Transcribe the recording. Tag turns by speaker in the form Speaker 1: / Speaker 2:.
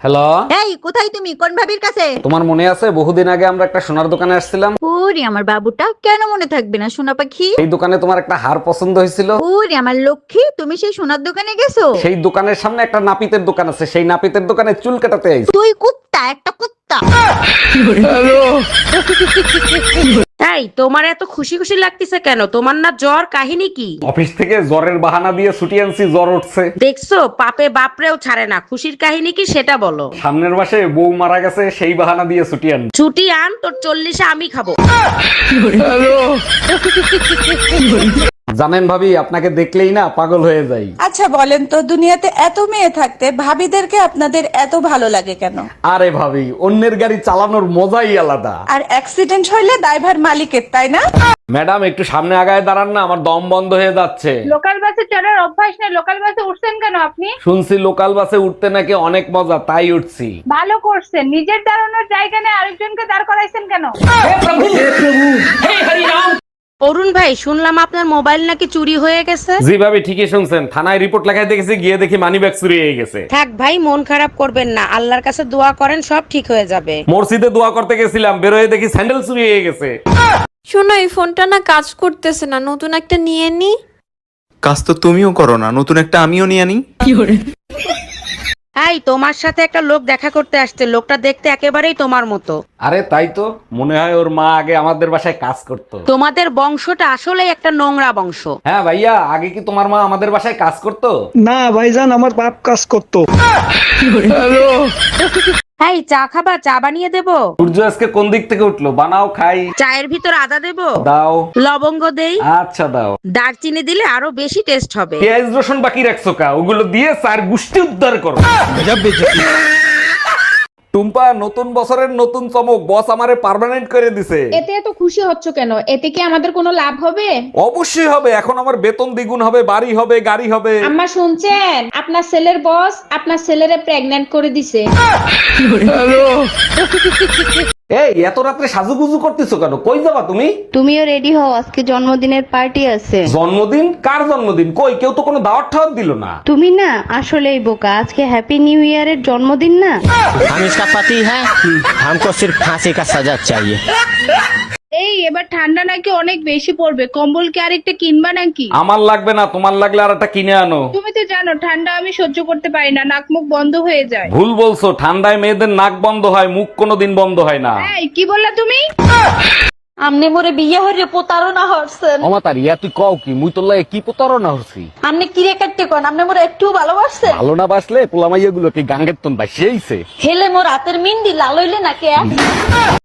Speaker 1: Hello,
Speaker 2: এই কোথায় তুমি? কোন ভাবির কাছে?
Speaker 1: তোমার মনে আছে বহুদিন আগে আমরা একটা সোনার দোকানে আসছিলাম?
Speaker 2: ওরে আমার বাবুটা, কেন মনে থাকবে না সোনা পাখি?
Speaker 1: এই দোকানে তোমার একটা হার পছন্দ হয়েছিল।
Speaker 2: ওরে আমার লক্ষ্মী, তুমি সেই সোনার দোকানে গেছো?
Speaker 1: সেই দোকানের সামনে একটা নাপিতের দোকান আছে, সেই নাপিতের দোকানে চুল কাটাতে আইছি।
Speaker 2: তুই কুত্তা, একটা কুত্তা।
Speaker 3: এই তোমার এত খুশি খুশি লাগতেছে কেন? তোমার না জ্বর? কাহিনী কি?
Speaker 1: অফিস থেকে জ্বরের বাহানা দিয়ে ছুটি আনছি, জ্বর উঠছে।
Speaker 3: দেখছো, পাপে বাপরেও ছাড়ে না। খুশির কাহিনী কি সেটা বলো।
Speaker 1: সামনের মাসে বউ মারা গেছে, সেই বাহানা দিয়ে ছুটি আন।
Speaker 3: ছুটি আন, তোর 40-এ আমি খাবো।
Speaker 1: জানেন ভাবি, আপনাকে দেখলেই না পাগল হয়ে যাই।
Speaker 4: আচ্ছা বলেন তো, দুনিয়াতে এত মেয়ে থাকতে ভাবিদেরকে আপনাদের এত ভালো লাগে কেন?
Speaker 1: আরে ভাবি, অন্যের গাড়ি চালানোর মজাই আলাদা।
Speaker 4: আর অ্যাক্সিডেন্ট হইলে দায়ভার মালিকের, তাই না?
Speaker 1: ম্যাডাম একটু সামনে আগায় দাঁড়ান না, আমার দম বন্ধ হয়ে যাচ্ছে।
Speaker 5: লোকাল বাসে চড়ার অভ্যাস নেই, লোকাল বাসে উঠছেন কেন আপনি?
Speaker 1: শুনছি লোকাল বাসে উঠতে নাকি অনেক মজা, তাই উঠছি।
Speaker 5: ভালো করছেন, নিজের দাঁড়ানোর জায়গা নেই আরেকজনকে দাঁড় করাইছেন কেন?
Speaker 3: অরুণ ভাই, শুনলাম আপনার মোবাইল নাকি চুরি হয়ে গেছে।
Speaker 1: জি ভাবি, ঠিকই শুনছেন। থানায় রিপোর্ট লেখায় দেখেছি, গিয়ে দেখি মানিব্যাগ চুরি হয়ে গেছে।
Speaker 3: থাক ভাই, মন খারাপ করবেন না, আল্লাহর কাছে দোয়া করেন, সব ঠিক হয়ে যাবে।
Speaker 1: মসজিদে দোয়া করতে গেছিলাম, বেরোয় দেখি স্যান্ডেল চুরি হয়ে গেছে।
Speaker 6: শোনো, এই ফোনটা না কাজ করতেছে না, নতুন একটা নিয়ে নি।
Speaker 7: কাজ তো তুমিও করো না, নতুন একটা আমিও নিয়ে আনি।
Speaker 3: এই তোমার সাথে একটা লোক দেখা করতে আসছে, লোকটা দেখতে একেবারেই তোমার মতো।
Speaker 1: আরে তাই তো, মনে হয় ওর মা আগে আমাদের বাসায় কাজ করতো।
Speaker 3: তোমাদের বংশটা আসলে একটা নোংরা বংশ।
Speaker 1: হ্যাঁ ভাইয়া, আগে কি তোমার মা আমাদের বাসায় কাজ করতো?
Speaker 8: না ভাইজান, আমার বাপ কাজ করতো।
Speaker 3: এই চা খাবা? চা বানিয়ে দেবো?
Speaker 1: সূর্য আজকে কোন দিক থেকে উঠলো? বানাও খাই।
Speaker 3: চায়ের ভিতর আদা দেবো?
Speaker 1: দাও।
Speaker 3: লবঙ্গ দেই?
Speaker 1: আচ্ছা দাও।
Speaker 3: দারচিনি দিলে আরো বেশি টেস্ট হবে।
Speaker 1: পেঁয়াজ রসুন বাকি রাখছো কা? ওগুলো দিয়ে চার গুষ্টি উদ্ধার করো। টুম্পা, নতুন বছরের নতুন চমক, বস আমারে পার্মানেন্ট করে দিছে।
Speaker 5: এতে এত খুশি হচ্ছ কেন? এতে কি আমাদের কোনো লাভ হবে?
Speaker 1: অবশ্যই হবে, এখন আমার বেতন দ্বিগুণ হবে, বাড়ি হবে, গাড়ি হবে।
Speaker 5: আম্মা শুনছেন, আপনার ছেলের বস আপনার ছেলেরে প্রেগন্যান্ট করে দিছে।
Speaker 1: এই এত রাত্রে সাজুগুজু করতেছো কেন? কই যাবা তুমি?
Speaker 9: তুমিও রেডি হও, আজকে জন্মদিনের পার্টি আছে।
Speaker 1: জন্মদিন? কার জন্মদিন? কই, কেউ তো কোনো দাওয়াত ঠাওয়াত দিল না।
Speaker 9: তুমি না আসলেই বোকা, আজকে হ্যাপি নিউ ইয়ারের জন্মদিন না।
Speaker 10: हम इसका पति है, हमको सिर्फ फांसी का सजा चाहिए।
Speaker 5: এই এবার ঠান্ডা নাকি অনেক বেশি পড়বে, কম্বল কি আরেকটা কিনবা নাকি?
Speaker 1: আমার লাগবে না, তোমার লাগলে আর একটা কিনে আনো।
Speaker 5: তুমি তো জানো ঠান্ডা আমি সহ্য করতে পারি না, নাক মুখ বন্ধ হয়ে যায়।
Speaker 1: ভুল বলছো, ঠান্ডায় মেয়েদের নাক বন্ধ হয়, মুখ কোনোদিন বন্ধ হয় না।
Speaker 5: এই কি বললা তুমি?
Speaker 2: আমনে মোরে বিয়ে হইরে প্রতারণা হরছেন।
Speaker 1: অমাতার ইয়া তুই কও কি? মুই তোর লাগে কি প্রতারণা হচ্ছি?
Speaker 2: আমনে কিরে কাটতে কোন? আমনে মোরে একটু ভালোবাসছেন?
Speaker 1: ভালো না বাসলে পোলামাইয়া গুলো কি গাঙ্গের তন বাসিয়েছে?
Speaker 2: হেলে মোর হাতের মিন্দি লাল হইলে নাকি?